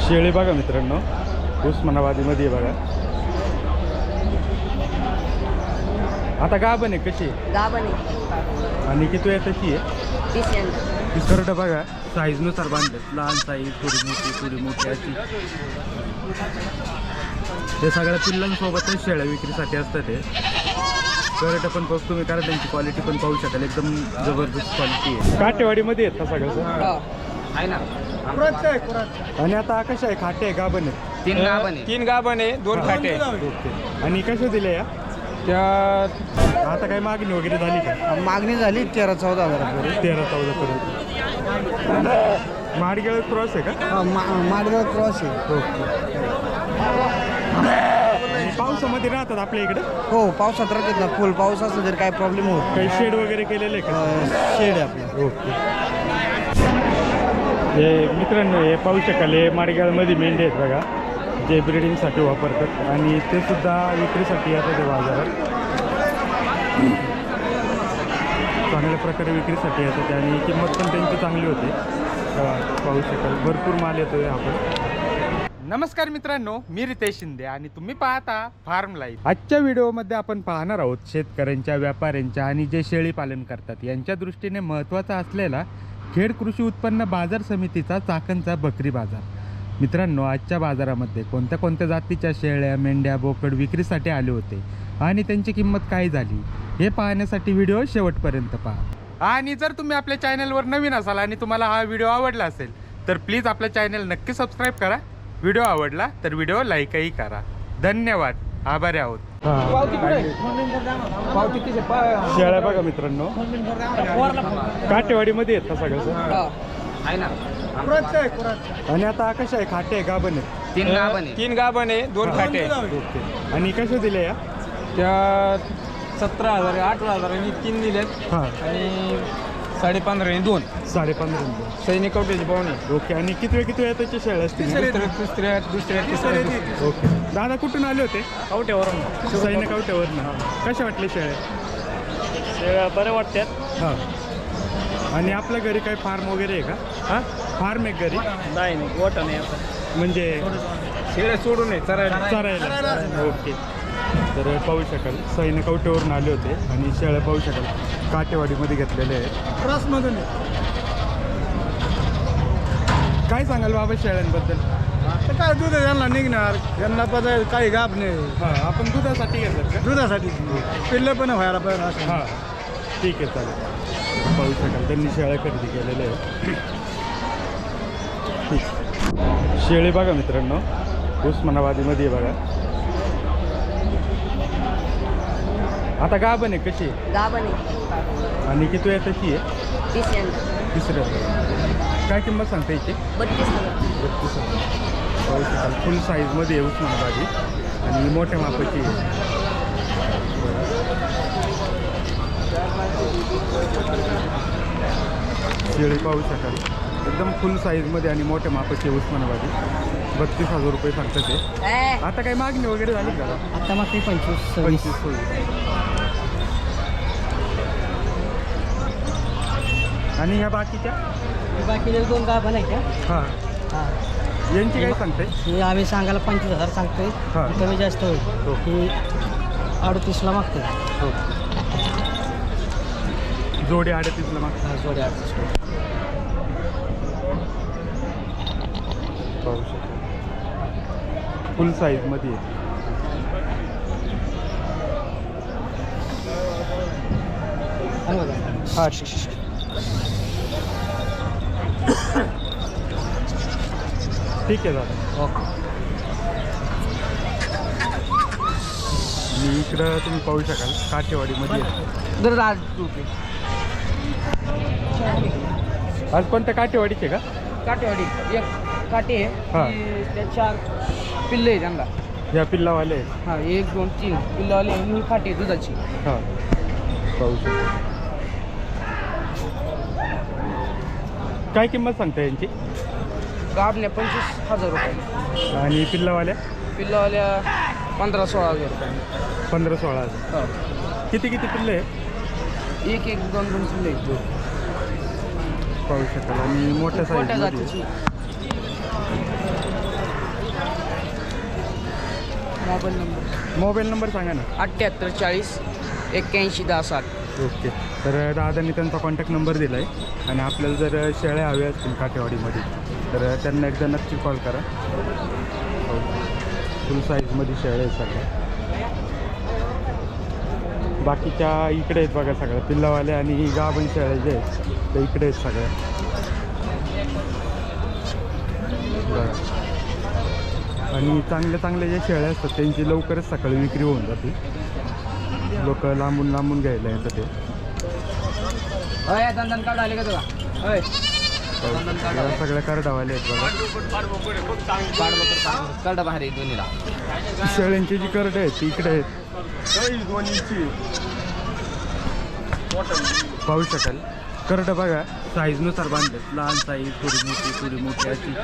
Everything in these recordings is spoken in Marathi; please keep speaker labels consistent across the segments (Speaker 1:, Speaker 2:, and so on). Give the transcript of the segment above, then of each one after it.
Speaker 1: शेळी बघा मित्रांनो, उस्मानाबादीमध्ये बघा. आता गाभण आहे कशी
Speaker 2: गाभण आहे
Speaker 1: आणि किती आहे त्याची आहे?
Speaker 2: 30 यंदा.
Speaker 1: करडं बघा साईजनुसार बांधतात, लहान साईज, थोडी मोठी अशी. ते सगळ्या पिल्लांसोबतच शेळ्या विक्रीसाठी असतात. ते करडं पण पाहू तुम्ही, कारण त्यांची क्वालिटी पण पाहू शकाल, एकदम जबरदस्त क्वालिटी आहे. काटेवाडीमध्ये आहेत का सगळं?
Speaker 2: आहे ना.
Speaker 1: आणि आता कशा आहे, खाटे आहे गाभण आहे?
Speaker 2: 3 गाभण आहे.
Speaker 3: 3 गाभण आहे, 2 खाटे.
Speaker 1: ओके. आणि कशा दिल्या या?
Speaker 3: त्या
Speaker 1: आता काही मागणी वगैरे झाली का?
Speaker 3: मागणी झाली 13-14 हजारापर्यंत.
Speaker 1: 13-14 पर्यंत. माडगेळ क्रॉस आहे का?
Speaker 3: माडगाव क्रॉस आहे.
Speaker 1: ओके. पावसामध्ये राहतात आपल्या इकडे?
Speaker 3: हो, पावसात राहतात ना. फुल पाऊस असला तर काय प्रॉब्लेम होत.
Speaker 1: काही शेड वगैरे केलेले आहे का?
Speaker 3: शेड आहे आपलं.
Speaker 1: ओके. हे मित्रांनो, हे पाहू शकाल, हे माडगाळमध्ये मेंढे आहेत बघा, जे ब्रिडिंगसाठी वापरतात आणि ते सुद्धा विक्रीसाठी येतात ते बाजारात. चांगल्या प्रकारे विक्रीसाठी येतात आणि किंमत पण त्यांची चांगली होते. पाहू शकाल भरपूर माल येतोय आपण. नमस्कार मित्रांनो, मी रितेश शिंदे आणि तुम्ही पाहता फार्म लाईफ. आजच्या व्हिडिओमध्ये आपण पाहणार आहोत शेतकऱ्यांच्या, व्यापाऱ्यांच्या आणि जे शेळी पालन करतात यांच्या दृष्टीने महत्त्वाचा असलेला खेड कृषी उत्पन्न बाजार समितीचा चाकणचा बकरी बाजार. मित्रांनो, आजच्या बाजारामध्ये कोणत्या कोणत्या जातीच्या शेळ्या, मेंढ्या, बोकड विक्रीसाठी आले होते आणि त्यांची किंमत काय झाली हे पाहण्यासाठी व्हिडिओ शेवटपर्यंत पहा. आणि जर तुम्ही आपल्या चॅनलवर नवीन असाल आणि तुम्हाला हा व्हिडिओ आवडला असेल तर प्लीज आपल्या चॅनल नक्की सबस्क्राईब करा. व्हिडिओ आवडला तर व्हिडिओ लाईकही करा. धन्यवाद, आभारी आहोत. शेळ्या बघा मित्रांनो, काटेवाडीमध्ये आहेत का सगळं?
Speaker 2: आहे ना.
Speaker 1: आणि आता कशा आहे, खाटे आहे गाभण आहे?
Speaker 2: 3 गाभण आहे.
Speaker 3: 3 गाभण आहे, 2 खाटे.
Speaker 1: ओके. आणि कशा दिल्या या?
Speaker 3: त्या 17,000, 18,000 आणि 3 दिलेत
Speaker 1: हां.
Speaker 3: आणि 15.5 आणि 2
Speaker 1: 15.5.
Speaker 3: सैनिक कवटेची पाहुणे.
Speaker 1: ओके. आणि किती वेळ त्याची शेळ्या असतील?
Speaker 3: दुसऱ्या
Speaker 1: ओके. दादा कुठून आले होते?
Speaker 3: कवट्यावरून.
Speaker 1: सैन्य कवट्यावरनं. कशा वाटले शेळ्या?
Speaker 3: शेळ्या बऱ्या वाटतात.
Speaker 1: हां. आणि आपल्या घरी काही फार्म वगैरे आहे का? हां, फार्म आहे घरी?
Speaker 3: नाही गोठा नाही आता,
Speaker 1: म्हणजे
Speaker 3: शेळ्या सोडून आहे
Speaker 1: चरायला. ओके. तर पाहू शकाल सैन्य कवट्यावरून आले होते आणि शेळ्या पाहू शकाल काटेवाडीमध्ये घेतलेले आहेत.
Speaker 3: क्रॉसमधून.
Speaker 1: काय सांगाल बाबा शेळ्यांबद्दल?
Speaker 3: आता काय दूध यांना निघणार, यांना पदार्थ काही गाप नाही.
Speaker 1: हां, आपण दुधासाठी घेतात का?
Speaker 3: दुधासाठी पिल्ले पण व्हायला पाहिजे असं.
Speaker 1: हां, ठीक आहे, चालेल. पाहू शकाल त्यांनी शेळ्या खरेदी केलेल्या आहेत. शेळी बघा मित्रांनो, उस्मानाबादीमध्ये बघा. आता गाभण आहे कशी?
Speaker 2: गाभण आहे
Speaker 1: आणि किती आहे त्याची आहे?
Speaker 2: 30 यंदा.
Speaker 1: तिसरं. काय किंमत सांगता याची?
Speaker 2: 32,000.
Speaker 1: 32,000. पाहू शकाल फुल साईजमध्ये आहे उस्मानाबादी आणि मोठ्या मापाची आहे. शेळी पाहू शकाल एकदम फुल साईजमध्ये आणि मोठ्या मापाची उस्मानाबादी. 32,000 रुपये सांगतात ते. आता काही मागणी वगैरे झाली का?
Speaker 3: आता मग 25
Speaker 1: होईल. आणि ह्या बाकीच्या?
Speaker 3: बाकीचे 2 गाभण आहे का?
Speaker 1: हां.
Speaker 3: हां.
Speaker 1: यांची काय सांगते?
Speaker 3: हे आम्ही सांगायला 25,000 सांगतोय.
Speaker 1: हां.
Speaker 3: कमी जास्त होईल.
Speaker 1: हो.
Speaker 3: ही 38ला मागतोय.
Speaker 1: हो. जोडी 38ला मागतात.
Speaker 3: जोडी 38.
Speaker 1: पाहू शकतो फुल साईजमध्ये आहे.
Speaker 3: हां.
Speaker 1: ठीक आहे दादा.
Speaker 3: ओके.
Speaker 1: आणि इकडं तुम्ही पाहू शकाल काठेवाडीमध्ये आहे.
Speaker 3: दर 10 रुपये.
Speaker 1: आज कोणत्या काठेवाडीचे का?
Speaker 3: काटेवाडी एक काटे
Speaker 1: हां.
Speaker 3: आहे, त्या 4 पिल्ले आहे त्यांना.
Speaker 1: ह्या पिल्लावाले आहेत.
Speaker 3: हां, 1 2 3 पिल्लावाले आणि ही काटे दुधाची.
Speaker 1: हां, पाहू शकतो. काय किंमत सांगता यांची?
Speaker 3: गाभण्या 25,000 रुपये
Speaker 1: आणि पिल्लावाल्या?
Speaker 3: पिल्लावाल्या 15-16 हजार रुपये.
Speaker 1: 15-16 हजार.
Speaker 3: हो.
Speaker 1: किती पिल्ले आहे?
Speaker 3: 1 1 2 2 पिल्ले आहेत.
Speaker 1: पाहू शकाल आणि मोठ्या
Speaker 3: मोठ्या
Speaker 1: साईज.
Speaker 3: जातीची.
Speaker 1: मोबाईल नंबर सांगा ना.
Speaker 2: 78 40 81 10 60.
Speaker 1: ओके. तर दादांनी त्यांचा कॉन्टॅक्ट नंबर दिला आहे आणि आपल्याला जर शेळ्या हव्या असतील काठेवाडीमध्ये तर त्यांना एकदा नक्की कॉल करा. फुल साईजमध्ये शेळ्या आहेत सगळ्या. बाकीच्या इकडे आहेत बघा सगळ्या पिल्लावाल्या आणि गाभण शेळ्या जे आहेत ते इकडे आहेत सगळ्या बघा. आणि चांगल्या ज्या शेळ्या असतात त्यांची लवकरच सकाळी विक्री होऊन जाते. लोक लांबून घ्यायला येतात ते.
Speaker 2: दंदन कार्ड आले का तुला?
Speaker 1: या सगळ्या कार्डावाले आहेत बघा.
Speaker 2: कार्ड बाहेर आहे दोन्हीला.
Speaker 1: शेळ्यांची जी करडे आहेत ती इकडे आहेत. पाहू शकाल करड बघा साईजनुसार बांधतात. लहान साईज, थोडी मोठी अशी.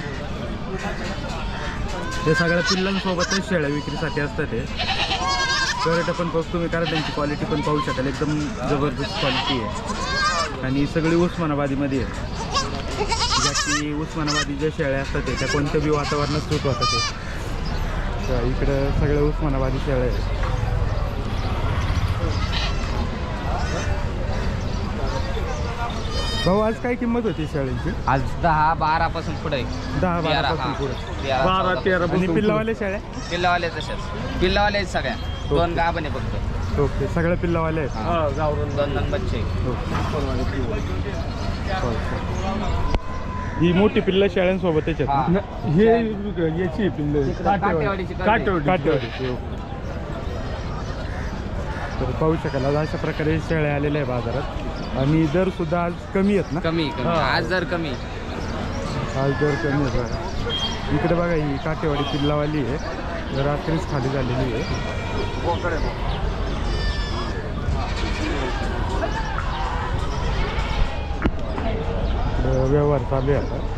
Speaker 1: हे सगळ्या पिल्लांसोबतच शेळ्या विक्रीसाठी असतात. ते करड पण पाहू तुम्ही कारण त्यांची क्वालिटी पण पाहू शकाल. एकदम जबरदस्त क्वालिटी आहे आणि सगळी उस्मानाबादीमध्ये आहे. ज्या की उस्मानाबादी ज्या शेळ्या असतात त्या कोणत्या बी वातावरणात सूट होतात. ते इकडं सगळ्या उस्मानाबादी शेळ्या आहेत. भाऊ आज काय किंमत होती शेळ्यांची?
Speaker 2: आज 10-12 पासून पुढे
Speaker 1: 10-12 पासून पुढे
Speaker 3: 12-13
Speaker 1: आणि पिल्लावाले शेळ्या?
Speaker 2: पिल्लावाले तसेच पिल्लावाले आहेत सगळ्या. 2 गाभण आहे फक्त.
Speaker 1: ओके. सगळ्या पिल्लावाले आहेत.
Speaker 2: दोन बच्चे.
Speaker 1: ही मोठी पिल्ला शेळ्यांसोबतच आहेत ना?
Speaker 3: हे याची पिल्ले
Speaker 2: काठेवाडीची
Speaker 1: काठेवाडी. तर पाहू शकाल आज अशा प्रकारे शेळ्या आलेल्या आहे बाजारात. आणि दर सुद्धा आज कमी आहेत ना?
Speaker 2: कमी आज जर कमी.
Speaker 1: आज दर कमी आहेत बघा. इकडे बघा ही काठेवाडी पिल्लावाली आहे. रात्रीच खाली झालेली आहे. व्यवहार चालू आहे आता.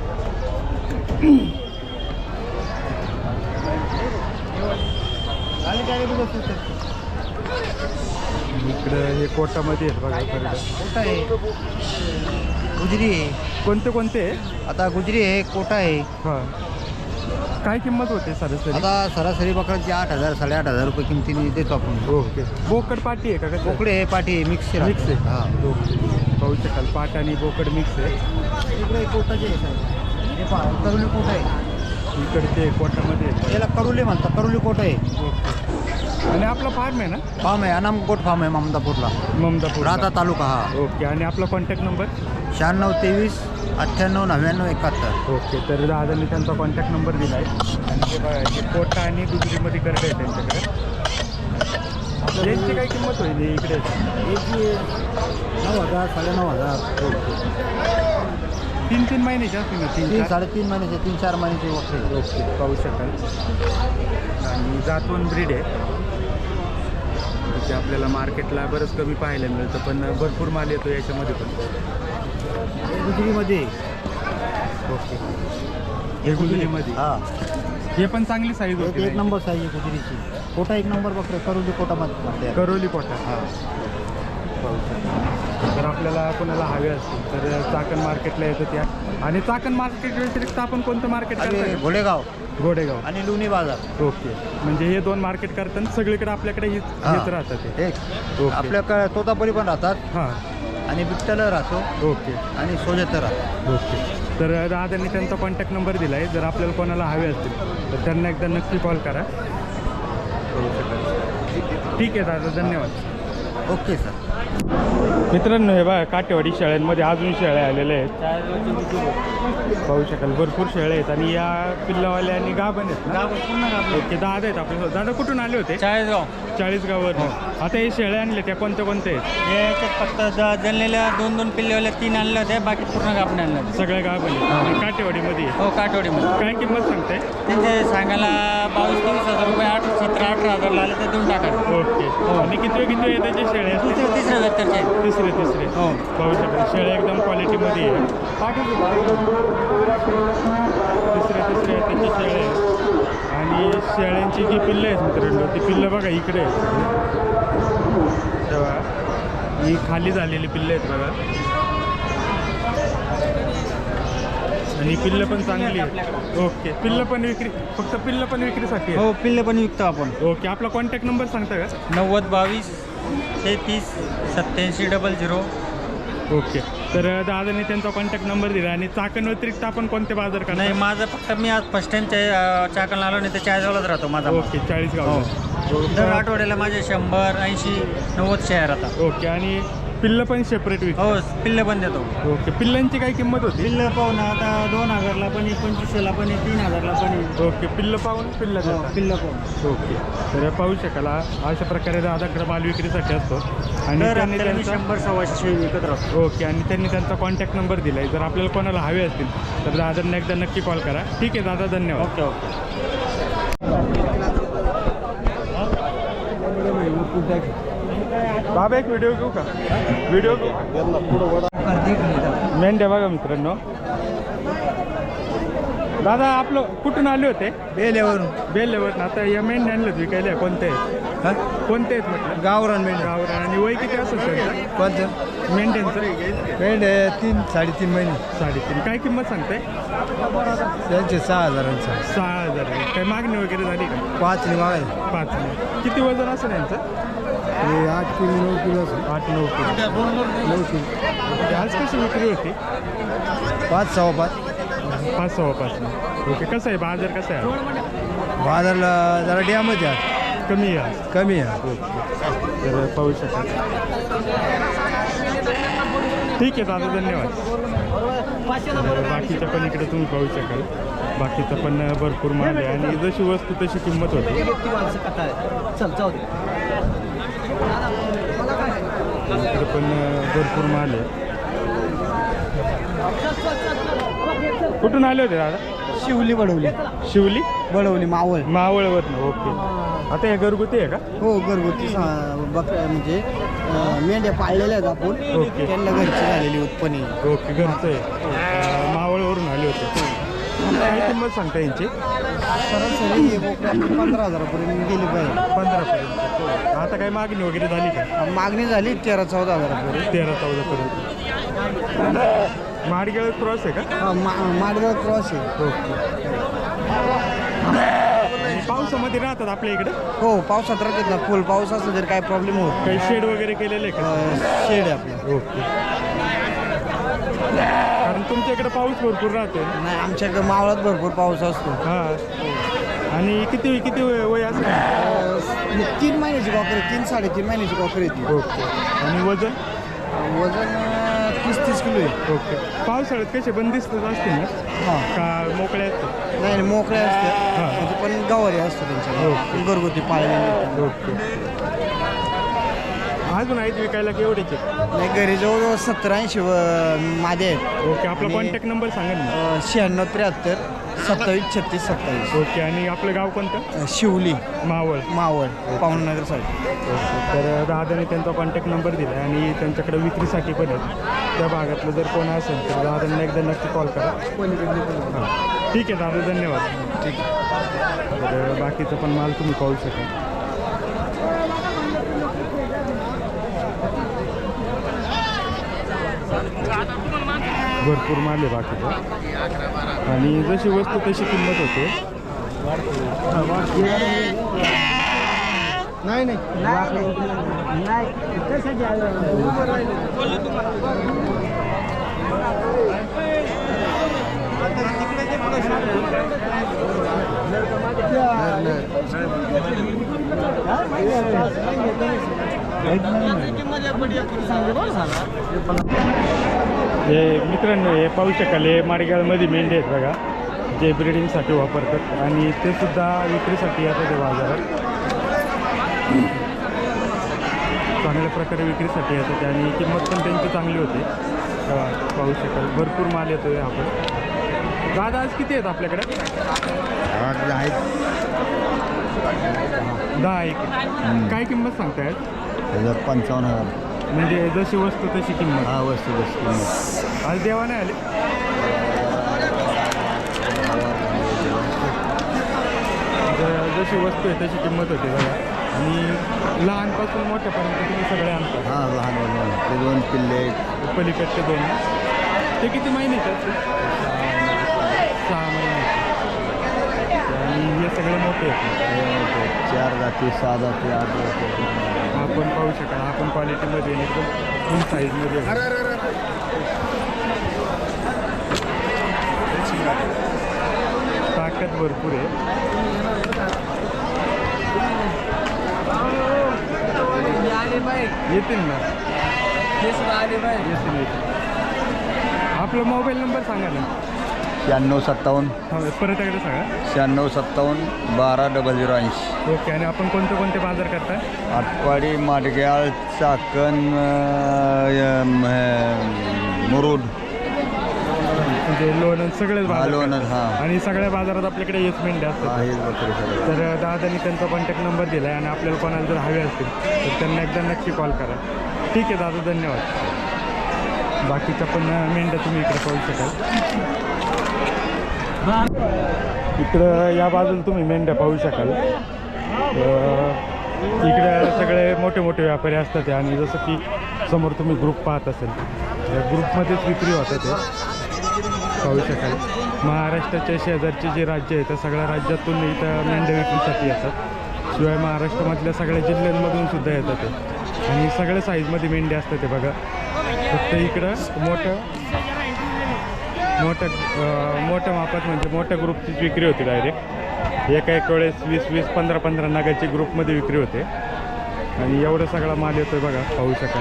Speaker 1: इकडं हे कोटामध्ये आहेत बघा करडं.
Speaker 4: कोटा आहे, गुजरी आहे.
Speaker 1: कोणते आहे?
Speaker 4: आता गुजरी आहे, कोटा आहे.
Speaker 1: हां. काय किंमत होते सरासरी?
Speaker 4: आता सरासरी बकराची 8,000 8,500 रुपये किमतीने देतो आपण.
Speaker 1: ओके. बोकड पाटी आहे का? कसं?
Speaker 4: बोकडे आहे, पाठी आहे, मिक्स
Speaker 1: मिक्स आहे.
Speaker 4: हां.
Speaker 1: ओके. पाहू शकाल पाट आणि बोकड मिक्स आहे.
Speaker 4: इकडे कोटाचे आहे साहेब. हे पहा करुली कोट आहे.
Speaker 1: इकडचे कोटामध्ये आहेत.
Speaker 4: याला करुली म्हणतात, करुली कोट आहे.
Speaker 1: ओके. आणि आपला फार्म आहे ना?
Speaker 4: फार्म आहे, अनाम गोट फार्म आहे ममदापूरला,
Speaker 1: ममदापूर
Speaker 4: राहता तालुका. हा.
Speaker 1: ओके. आणि आपला कॉन्टॅक्ट नंबर?
Speaker 4: 96 23 98 99 71.
Speaker 1: ओके. तर दादांनी त्यांचा कॉन्टॅक्ट नंबर दिला आहे. आणि ते बघा हे कोटा आणि गुजरीमध्ये करडे आहे त्यांच्याकडे. यांची काय किंमत होईल इकडे?
Speaker 4: याची 9,000 9,500.
Speaker 1: ओके. 3 महिन्याचे असतील ना? 3-4
Speaker 4: 3-3.5 महिन्याचे 3-4 महिन्याचे वखरे.
Speaker 1: ओके. पाहू शकाल. आणि जातवन ब्रीड आहे. ते आपल्याला मार्केटला बरंच कमी पाहायला मिळतं पण भरपूर माल येतो याच्यामध्ये पण.
Speaker 4: गुजरीमध्ये.
Speaker 1: ओके. हे गुजरीमध्ये.
Speaker 4: हां.
Speaker 1: हे पण चांगली साईज होती.
Speaker 4: एक नंबर साईज आहे गुजरीची. कोटा 1 नंबर बकरे, करुली कोटामध्ये.
Speaker 1: करोली कोटा.
Speaker 4: हां.
Speaker 1: जर आपल्याला कोणाला हवे असतील तर चाकण मार्केटला येतं त्या. आणि चाकण मार्केट व्यतिरिक्त आपण कोणतं मार्केट
Speaker 4: आणि
Speaker 1: करतो?
Speaker 4: घोडेगाव आणि लुणी बाजार.
Speaker 1: ओके. म्हणजे हे 2 मार्केट करताना सगळीकडे आपल्याकडे हेच राहतात ते.
Speaker 4: एक
Speaker 1: ओके.
Speaker 4: आपल्याकडे तोतापुरी पण राहतात
Speaker 1: हां.
Speaker 4: आणि बिट्टल राहतो
Speaker 1: ओके.
Speaker 4: आणि सोजत राहतो.
Speaker 1: ओके. तर दादांनी त्यांचा कॉन्टॅक्ट नंबर दिला आहे. जर आपल्याला कोणाला हवे असतील तर त्यांना एकदा नक्की कॉल करा. ठीक आहे दादा, धन्यवाद.
Speaker 4: Okay sir.
Speaker 1: मित्रांनो हे बघा काठेवाडी शेळ्यांमध्ये अजून शेळ्या आलेल्या आहेत. पाहू शकाल भरपूर शेळ्या आहेत आणि या पिल्लावाल्या आणि गाभण आहेत ना? ओके. दादा आहेत आपले. दादा कुठून आले होते? 40गाववर. आता हे शेळ्या आणले त्या कोणत्या आहेत?
Speaker 3: याच्यात फक्त जळलेल्या 2-2 पिल्लेवाल्या 3 आणल्या होत्या, बाकी पूर्ण गाभण आणल्या.
Speaker 1: सगळ्या गाभण आहेत काठेवाडीमध्ये.
Speaker 3: हो, काठवडीमध्ये.
Speaker 1: काय किंमत सांगताय?
Speaker 3: त्यांचे सांगायला 22-23 हजार रुपये, 17-18 ला आले तर देऊन टाका.
Speaker 1: ओके. आणि किती आहे त्याचे शेळ्या?
Speaker 3: तिसऱ्या वेक्टरचे.
Speaker 1: तिसरे.
Speaker 3: हो.
Speaker 1: पाहू शकाल शेळ्या एकदम क्वालिटीमध्ये आहे. तिसरे त्यांचे शेळ्या आहेत. आणि शेळ्यांची जी पिल्लं आहेत मित्रांनो ती पिल्लं बघा इकडे आहेत. तेव्हा ही खाली झालेली पिल्लं आहेत बघा. आणि पिल्लं पण चांगली आहे. ओके, पिल्लं पण विक्री, फक्त पिल्लं पण विक्रीसाठी आहे.
Speaker 3: हो पिल्ले पण विकतो आपण.
Speaker 1: ओके, आपला कॉन्टॅक्ट नंबर सांगता का?
Speaker 3: 90 22 33 87 00.
Speaker 1: ओके, तर दादाने त्यांचा कॉन्टॅक्ट नंबर दिला. आणि चाकण व्यतिरिक्त आपण कोणते बाजार करणार?
Speaker 3: नाही माझं फक्त मी आज फर्स्ट टाइम चाकणला आलो नाही तर चाळीसगावलाच राहतो माझा.
Speaker 1: ओके, 40 गाव.
Speaker 3: दर आठवड्याला माझे 100 80 90 शेअर आता.
Speaker 1: ओके, आणि पिल्लं पण सेपरेट विक.
Speaker 3: हो पिल्ले पण देतो.
Speaker 1: ओके, पिल्लांची काय किंमत होती?
Speaker 3: पिल्लं पाहून आता 2000ला पण आहे 2500ला पण आहे 3000ला पण आहे.
Speaker 1: ओके, पिल्लं पाहून पिल्लं देतात.
Speaker 3: पिल्लं पाहून
Speaker 1: ओके, तर पाहू शकाल अशा प्रकारे दादाकडे माल विक्रीसाठी असतो. आणि
Speaker 3: दर
Speaker 1: त्यांनी
Speaker 3: हप्त्याला मी
Speaker 1: त्यांचा
Speaker 3: 100 100 विकत राहतो.
Speaker 1: ओके, आणि त्यांनी त्यांचा कॉन्टॅक्ट नंबर दिला आहे. जर आपल्याला कोणाला हवे असतील तर दादांना एकदा नक्की कॉल करा. ठीक आहे दादा, धन्यवाद.
Speaker 3: Okay okay.
Speaker 1: बाबा एक व्हिडिओ घेऊ का? व्हिडिओ मेंढ्या बघा मित्रांनो. दादा आपलं कुठून आले होते? बेलेवरून. आता या मेंढ्या आणलं विकायला कोणते आहेत? कोणते आहेत म्हटलं?
Speaker 4: गावरान मेंढ्या.
Speaker 1: गावरान. आणि वय किती असेल त्यांचं
Speaker 4: कोणतं
Speaker 1: मेंढ्यांचं?
Speaker 4: मेंढ्या 3-3.5 महिने.
Speaker 1: 3.5. काय किंमत सांगताय?
Speaker 4: त्यांचे 6,000.
Speaker 1: 6,000. काय मागणी वगैरे झाली का?
Speaker 4: 5 मागायला.
Speaker 1: 5. किती वजन असेल यांचं?
Speaker 4: 8 किलो 9 किलो
Speaker 1: 8-9 किलो.
Speaker 4: 9 किलो.
Speaker 1: आज कशी विक्री होती?
Speaker 4: 5 सव्वा 5.
Speaker 1: 5-5. ओके, कसं आहे बाजार, कसा आहे?
Speaker 4: बाजारला जरा डॅमच आहे,
Speaker 1: कमी आहे.
Speaker 4: कमी आहे.
Speaker 1: तर पाहू शकाल. ठीक आहे दादा, धन्यवाद. तर बाकीच्या पण इकडे तुम्ही पाहू शकाल. बाकीचं पण भरपूर माल आहे आणि जशी वस्तू तशी किंमत होती. इकडे पण भरपूर माल आहे. कुठून आले होते दादा?
Speaker 4: शिवली बडवली.
Speaker 1: शिवली
Speaker 4: बडवली मावळ.
Speaker 1: मावळवरनं. ओके, आता हे घरगुती आहे का?
Speaker 4: हो घरगुती म्हणजे मेंढ्या पाळलेल्या आहेत आपण.
Speaker 1: ओके.
Speaker 4: त्यांना घरची झालेली उत्पन्न.
Speaker 1: ओके, घरचं आहे. मावळवरून आले होते. काय किंमत सांगता यांची?
Speaker 4: सरासरी हे बोकडे आपली 15,000पर्यंत गेली पाहिजे.
Speaker 1: 15पर्यंत. आता काय मागणी वगैरे झाली का?
Speaker 4: मागणी झाली 13-14 हजारापर्यंत.
Speaker 1: 13-14पर्यंत. माडगेळ क्रॉस आहे का?
Speaker 4: माडगाव क्रॉस आहे.
Speaker 1: ओके. पावसामध्ये राहतात आपल्या इकडे?
Speaker 4: हो पावसात राहतात ना. फुल पाऊस असला तरी काय प्रॉब्लेम होत.
Speaker 1: काही शेड वगैरे केलेले आहे का?
Speaker 4: शेड आहे आपलं.
Speaker 1: ओके, कारण तुमच्या इकडे पाऊस भरपूर राहतो.
Speaker 4: नाही आमच्याकडे मावळात भरपूर पाऊस असतो.
Speaker 1: हां. आणि किती किती वय असेल?
Speaker 4: 3 महिन्याची कॉकर, 3-3.5 महिन्याची कॉकर येते.
Speaker 1: ओके. आणि वजन?
Speaker 4: वजन 30-30 किलो आहे.
Speaker 1: ओके. पावसाळ्यात कसे बंदिस्तच असतील ना?
Speaker 4: हां.
Speaker 1: का मोकळे असतात?
Speaker 4: नाही मोकळे असते.
Speaker 1: हां.
Speaker 4: म्हणजे पण गवारी असतो त्यांच्याकडे.
Speaker 1: ओके.
Speaker 4: घरगुती पाळलेले.
Speaker 1: ओके. अजून आहेत विकायला केवढेचे?
Speaker 4: नाही घरी जवळजवळ 70-80 मादे आहेत.
Speaker 1: ओके, आपला
Speaker 4: आणि
Speaker 1: कॉन्टॅक्ट नंबर सांगा ना.
Speaker 4: 96-73 27-36-27.
Speaker 1: ओके, आणि आपलं गाव कोणतं?
Speaker 4: शिवली
Speaker 1: मावळ.
Speaker 4: मावळ पावननगर साईड.
Speaker 1: ओके, तर दादाने त्यांचा कॉन्टॅक्ट नंबर दिला आहे आणि त्यांच्याकडे विक्रीसाठी पण आहे. त्या भागातलं जर कोण असेल तर दादांना एकदा नक्की कॉल करा. हां, ठीक आहे दादा, धन्यवाद.
Speaker 4: ठीक आहे.
Speaker 1: तर बाकीचं पण माल तुम्ही पाहू शकाल. भरपूर माल आहे बाकीचं आणि जशी वस्तू तशी किंमत होते.
Speaker 4: नाही नाही
Speaker 1: हे मित्रांनो, हे पाहू शकाल, हे माडगावमध्ये मेंढे आहेत बघा, जे ब्रिडिंगसाठी वापरतात आणि ते सुद्धा विक्रीसाठी येतात ते बाजारात. चांगल्या प्रकारे विक्रीसाठी येतात आणि किंमत पण त्यांची चांगली होते. पाहू शकाल भरपूर माल येतो आहे. आपण दादा आज किती आहेत आपल्याकडे? 10 एक. काय किंमत सांगताय?
Speaker 4: 55,000.
Speaker 1: म्हणजे जशी वस्तू तशी किंमत.
Speaker 4: हा वस्तू किंमत
Speaker 1: आज देवा नाही आले? जशी वस्तू आहे तशी किंमत होते बघा. आणि लहानपासून मोठ्यापर्यंत तुम्ही सगळे आणता?
Speaker 4: हां लहान ते 2 पिल्ले
Speaker 1: पलीकडचे 2. ते किती महिन्याचे असते? 6 महिन्याचे आणि हे सगळे मोठे आहेत.
Speaker 4: 4 जाती 6 जाती 8 जाती.
Speaker 1: आपण पाहू शकाल आपण क्वालिटीमध्ये एकदम फुल साईजमध्ये ताकद भरपूर आहे. येतील ना येतील. आपला मोबाईल नंबर सांगा ना.
Speaker 4: 9657
Speaker 1: हा परत एकदा सांगा.
Speaker 4: 9657 12
Speaker 1: ओके. आणि आपण कोणते कोणते बाजार करताय?
Speaker 4: आटपाडी माडग्याळ चाकण मुरुड
Speaker 1: म्हणजे लोणंद सगळेच बाजार
Speaker 4: लोणंद,
Speaker 1: करताय.
Speaker 4: हां.
Speaker 1: आणि सगळ्या बाजारात आपल्याकडे येस मेंढ्या असतात. तर दादानी त्यांचा कॉन्टॅक्ट नंबर दिला आहे आणि आपल्याला कोणाला जर हवे असतील तर त्यांना एकदा नक्की कॉल करा. ठीक आहे दादा, धन्यवाद. बाकीच्या पण मेंढ्या तुम्ही इकडे पाहू शकाल. इकडं या बाजूला तुम्ही मेंढ्या पाहू शकाल. इकडे सगळे मोठे मोठे व्यापारी असतात आणि जसं की समोर तुम्ही ग्रुप पाहत असेल या ग्रुपमध्येच विक्री होतात ते पाहू शकाल. महाराष्ट्राच्या शेजारचे जे राज्य आहे त्या सगळ्या राज्यातून इथं मेंढ्या विक्रीसाठी येतात. शिवाय महाराष्ट्रामधल्या सगळ्या जिल्ह्यांमधून सुद्धा येतात ते आणि सगळ्या साईजमध्ये मेंढ्या असतात ते बघा. फक्त इकडं मोठ्या मापात म्हणजे मोठ्या ग्रुपचीच विक्री होती डायरेक्ट. एका वेळेस 20-20, 15-15 नगाची ग्रुपमध्ये विक्री होते आणि एवढा सगळा माल येतोय बघा पाहू शकाल.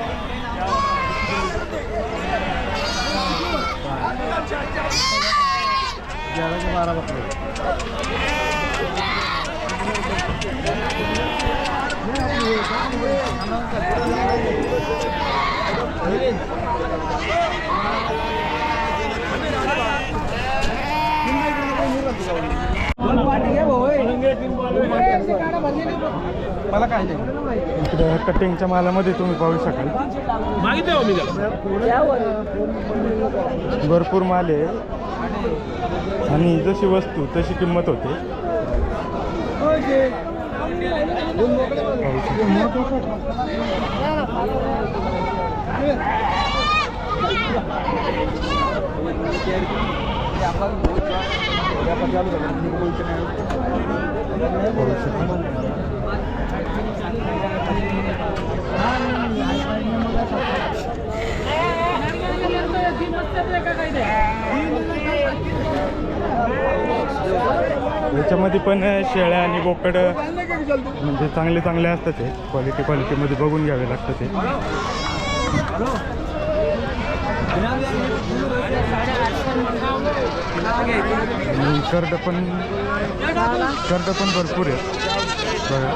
Speaker 4: मला काय
Speaker 1: इकडे कटिंगच्या मालामध्ये तुम्ही पाहू शकाल भरपूर माल आहे आणि जशी वस्तू तशी किंमत होते. याच्यामध्ये पण शेळ्या आणि बोकड म्हणजे चांगले चांगले असतात ते क्वालिटीमध्ये बघून घ्यावे लागतं ते. आणि कर्ड पण भरपूर आहेत बघा.